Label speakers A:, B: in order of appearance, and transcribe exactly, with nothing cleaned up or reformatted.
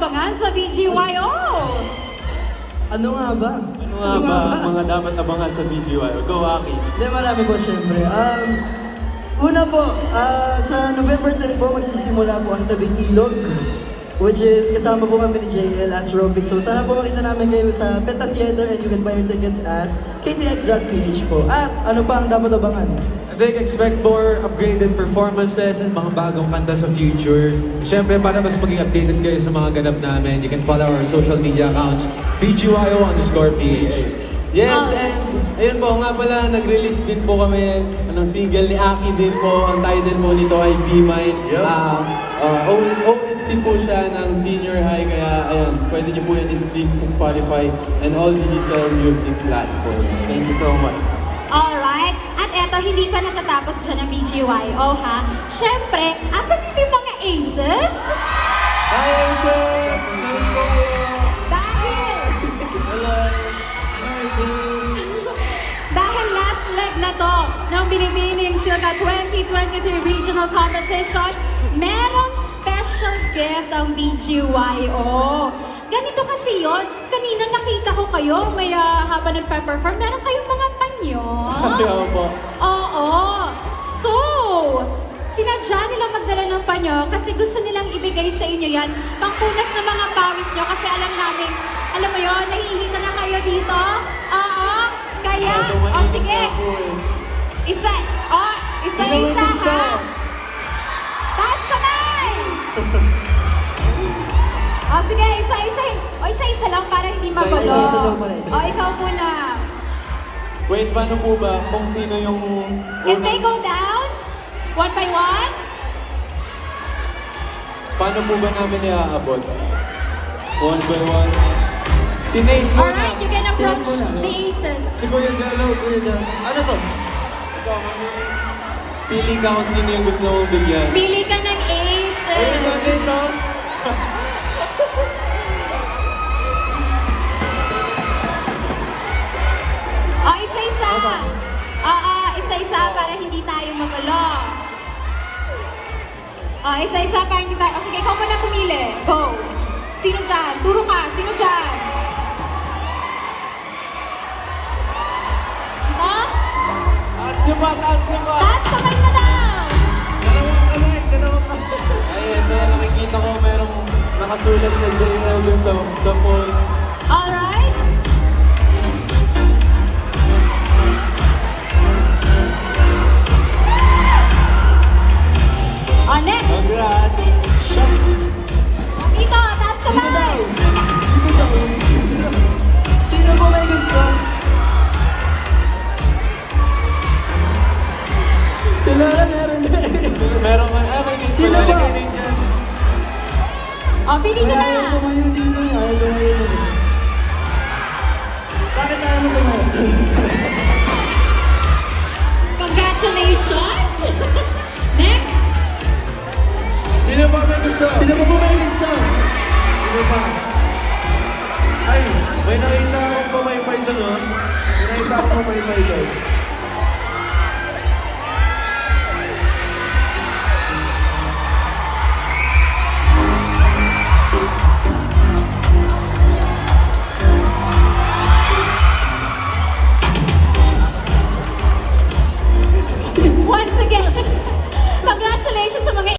A: abangan sa B G Y O?
B: Ano nga ba?
C: Ano nga ba ang mga dapat abangan sa B G Y O? Go, Aki!
B: Hindi, marami po syempre. Um, una po, ah, sa November tenth po, magsisimula po ang Tabing Ilog, which is kasama po kami ni J L Astropic. So sana po makita namin kayo sa Peta Theater and you can buy your tickets at k t x dot p h po. At ano pa ang dapat abangan?
C: I think expect more upgraded performances and mga bagong kanta sa future. Siyempre, para mas maging updated kayo sa mga ganap namin, you can follow our social media accounts, B G Y O underscore P H.
D: Yes, and ayun po, nga pala, nag-release din po kami ng single ni Aki din po. Ang title po nito ay Be Mine.
C: Yep.
D: Ah, ah, O- O S T po siya ng senior high, kaya ayan, pwede niyo po yan i-stream sa Spotify and all digital music platforms.
C: Thank you so much.
A: Alright, at eto, hindi pa natatapos siya ng B G Y O, ha? Siyempre, asan dito yung mga aces?
C: Hi, Aces!
A: Dahil,
C: Hello! Hi,
A: dahil last leg na to ng Binibining Silka twenty twenty-three Regional Competition, merong special gift ang B G Y O. Ganito kasi yon. Kanina nakita ko kayo, may uh, habang nagpa-perform, meron kayong mga panyo.
C: Hello po.
A: Oo. So, sinadya nila magdala ng panyo kasi gusto nilang ibigay sa inyo yan. Pangpunas ng mga pawis nyo kasi alam namin, alam mo yon, nahihita na kayo dito. Oo. Kaya, o oh, sige. Isa, o, oh, isa-isa ha. Taas kamay! O oh, sige, isa-isa. O isa-isa lang para hindi magulo.
B: Isa-isa daw pala, isa-isa.
A: O ikaw muna.
C: Wait, paano po ba kung sino yung
A: If they go down, one by one,
C: Paano po ba namin iaabot? One by one. Si Nate muna.
A: alright, you can approach
B: Sino muna?
A: the aces.
C: Si Kuya Jello.
B: Kuya Jan, ano to?
C: Ikaw, mami. Pili ka kung sino yung gusto mong bigyan.
A: Pili ka ng
C: Ayun
A: aces.
C: na, Nate, no?
A: O, isa-isa. Oo, isa-isa para hindi tayo magulo. O, isa-isa para hindi tayo... O, sige, ikaw muna pumili. Go. Sino dyan? Turo ka. Sino dyan? Ito?
C: Taas niyo ba? Taas niyo ba?
A: Taas kamay mo daw.
C: Dalawang kamay, dalawang kamay. Ayun, so nakikita ko merong nakasulat na J L dun sa, sa phone.
A: Alright. O, next.
C: Congrats!
B: Shucks!
A: Dito, taas kamay.
B: Dito daw. Sino po may gusto? Si Lola meron din.
C: Meron ka, ah, may Nate.
B: Sino
C: Wala
B: ba?
C: kay Nate yan.
A: O, pili ka
B: Ayaw
A: na.
B: tumayo dito. Ayaw tumayo dito. Bakit ayaw mo tumayo?
A: Congratulations. Next.
C: Sino ba may gusto?
B: Sino po po may gusto?
C: Sino ba? Ay, may nakita akong pamaypay doon, oh. May nakita akong pamaypay doon.
A: Once again, congratulations sa mga